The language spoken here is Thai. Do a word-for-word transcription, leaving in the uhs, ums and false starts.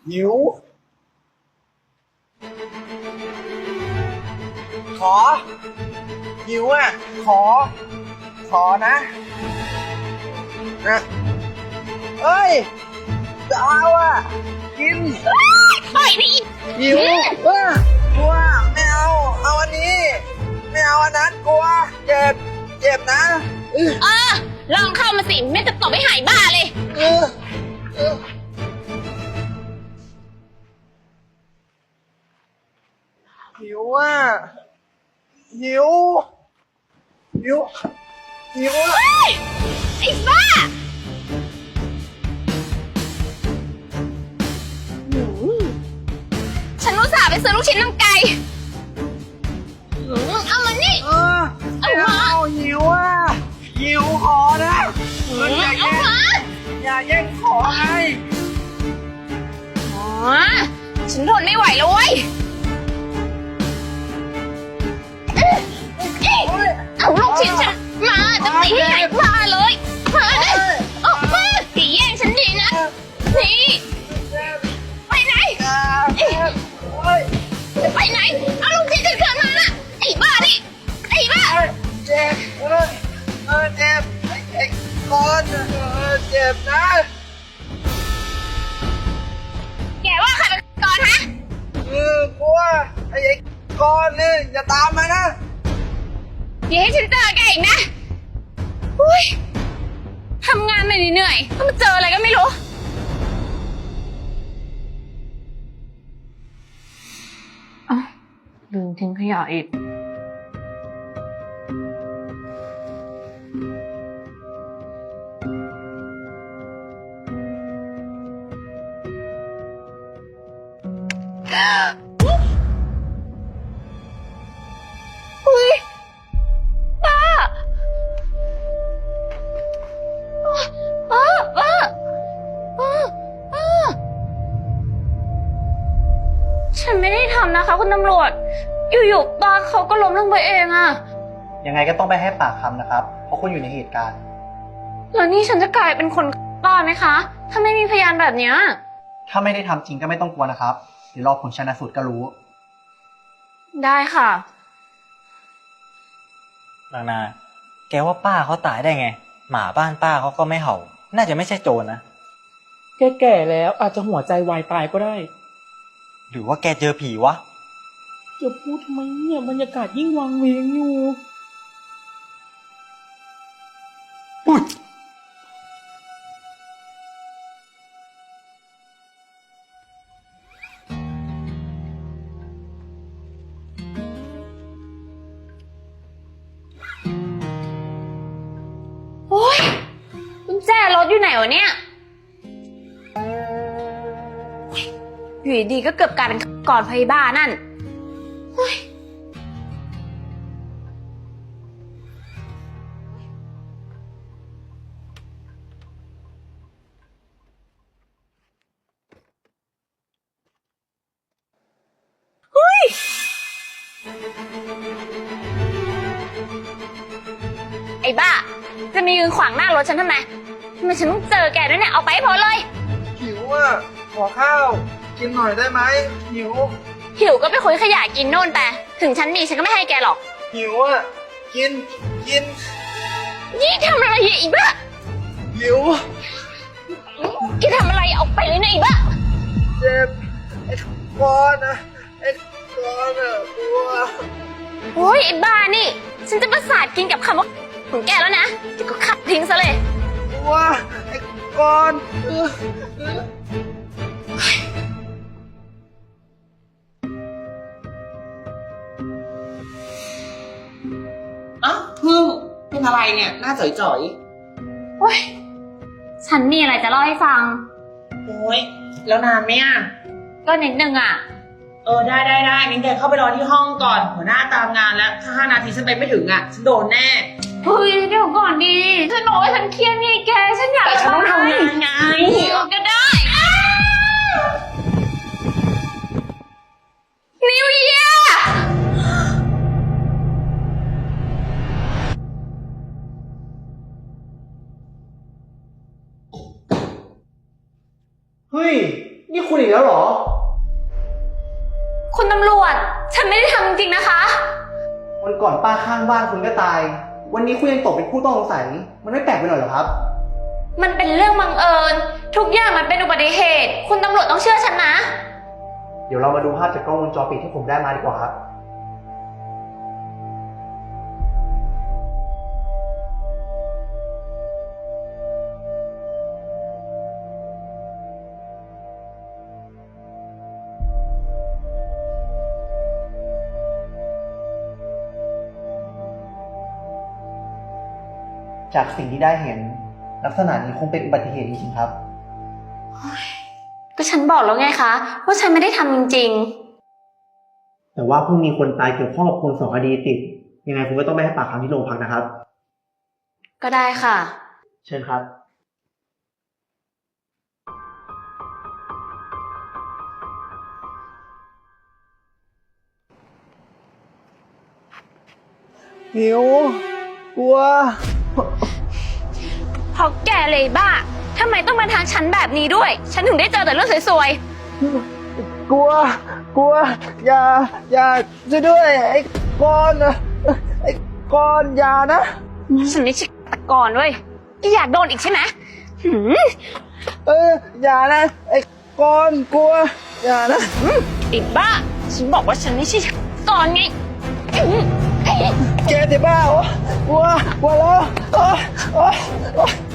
หิวขอหิวอ่ะขอขอนะนะเอ้ยจะเอาอ่ะกินปล่อยดิหิวเออกลัวไม่เอาเอาอันนี้ไม่เอาอันนั้นกลัวเจ็บเจ็บนะเออเออลองเข้ามาสิแม่จะตบให้หายบ้าเลยเออเออหิวอ่ะหิวหิวหิวอ่ะเฮ้ยไอ้บ้าหืมฉันอุตส่าห์ไปซื้อลูกชิ้นน้ำไก่หืมเอามานี่เออไม่เอาหิวอ่ะหิวขอนะเอออย่าเอาแย่งมาอย่าแย่งของไงอ๋อฉันทนไม่ไหวแล้วเว้ยเอ๊ะเอ๊ะเอาลูกชิ้นฉันมาจะตีให้หายบ้าเลยมาดิออกมาตีแย่งฉันดีนะนี่ไปไหนอย่าเจ็บโอ้ยจะไปไหน เอาลูกชิ้นฉันคืนมานะไอ้บ้าดิไอ้บ้าเจ็บเออเออเจ็บไอ้ไอ้ก้อนเออเจ็บนะแกว่าใครเป็นก่อนฮะเออกลัวไอ้ไอ้ก้อนนี่อย่าตามมานะอย่าให้ฉันเจอแกอีกนะอุ้ยทำงานมาเหนื่อยๆต้องมาเจออะไรก็ไม่รู้อ้าวลืมทิ้งขยะอีกอุ้ยป้าป้าป้าป้าป้าฉันไม่ได้ทำนะคะคุณตำรวจ อยู่ๆป้าเขาก็ล้มลงไปเองอะยังไงก็ต้องไปให้ปากคำนะครับ เพราะคุณอยู่ในเหตุการณ์แล้วนี่ฉันจะกลายเป็นคนป้าไหมคะ ถ้าไม่มีพยานแบบเนี้ยถ้าไม่ได้ทำจริงก็ไม่ต้องกลัวนะครับ เดี๋ยวรอผลชันสูตรก็รู้ได้ค่ะนางนา แกว่าป้าเขาตายได้ไง หมาบ้านป้าเขาก็ไม่เห่า น่าจะไม่ใช่โจรนะแกแก่แล้วอาจจะหัวใจวายตายก็ได้หรือว่าแกเจอผีวะจะพูดทำไมเนี่ยบรรยากาศยิ่งวังเวงอยู่โอ้ยกุญแจรถอยู่ไหนวะเนี่ยอยู่ดีๆก็เกือบกลายเป็นก่อนพยาบาลนั่นเฮ้ยเฮ้ยไอ้บ้า จะมียืนขวางหน้ารถฉันทำไมทำไมฉันต้องเจอแกด้วยเนี่ย เอาไปให้พ้นเลยหิวอ่ะขอข้าวกินหน่อยได้ไหมหิวหิวก็ไปคุยขยะกินโน่นไป ถึงฉันมีฉันก็ไม่ให้แกหรอกหิวอ่ะกินกินนี่ทำอะไรอีกบ้าหิวแกทำอะไรออกไปเลยนะอีกบ้าเจ็บไอ้ก้อนนะไอ้ก้อนอ่ะกลัวโอ้ยไอ้บ้านี่ ฉันจะประสาทกินกับคำว่าของแกแล้วนะแกก็ขับทิ้งซะเลยกลัวไอ้ก้อนเออเอออ้าวพึ่งเป็นอะไรเนี่ยหน้าจ่อยโอ้ย ฉันมีอะไรจะเล่าให้ฟังๆโอ้ยแล้วนานไหมอ่ะก็นิดนึงอ่ะเออได้ได้ได้งั้นแกเข้าไปรอที่ห้องก่อนหัวหน้าตามงานแล้ว ถ้าห้านาทีฉันไปไม่ถึงอ่ะฉันโดนแน่เฮ้ยเดี๋ยวก่อนดี ฉันบอกว่าฉันเครียดไงแก ฉันอยากแต่ฉันต้องทำงานไงเออก็ได้นิวเยียร์เฮ้ย นี่คุณดอีกแล้วเหรอคุณตำรวจ ฉันไม่ได้ทำจริงๆนะคะวันก่อนป้าข้างบ้านคุณก็ตาย วันนี้คุณยังตกเป็นผู้ต้องสงสัย มันไม่แปลกไปหน่อยเหรอครับมันเป็นเรื่องบังเอิญ ทุกอย่างมันเป็นอุบัติเหตุ คุณตำรวจต้องเชื่อฉันนะเดี๋ยวเรามาดูภาพจากกล้องวงจรปิดที่ผมได้มาดีกว่าครับ จากสิ่งที่ได้เห็น ลักษณะนี้คงเป็นอุบัติเหตุจริงๆครับก็ฉันบอกแล้วไงคะว่าฉันไม่ได้ทำจริงแต่ว่าเพิ่งมีคนตายเกี่ยวข้องกับคนสองคดีติด ยังไงคุณก็ต้องไปให้ปากคำที่โรงพักนะครับๆ ก็ได้ค่ะเชิญครับ หิว กลัวเพราะแกเลยบ้าทำไมต้องมาทางฉันแบบนี้ด้วย ฉันถึงได้เจอแต่เรื่องสวยกลัว กลัว อย่า อย่าช่วยด้วย ไอ้กอนนะไอ้กอนอย่านะๆ ฉันไม่ใช่ตะกอนเว้ยแกอยากโดนอีกใช่ไหมหืมเออ อย่านะ ไอ้กอนกลัว อย่านะไอ้บ้า ฉันบอกว่าฉันไม่ใช่ตะกอนไงอืมแกจะบ้าเหรอ กลัว กลัวแล้วโอ๊ยโอ๊ยโอ๊ย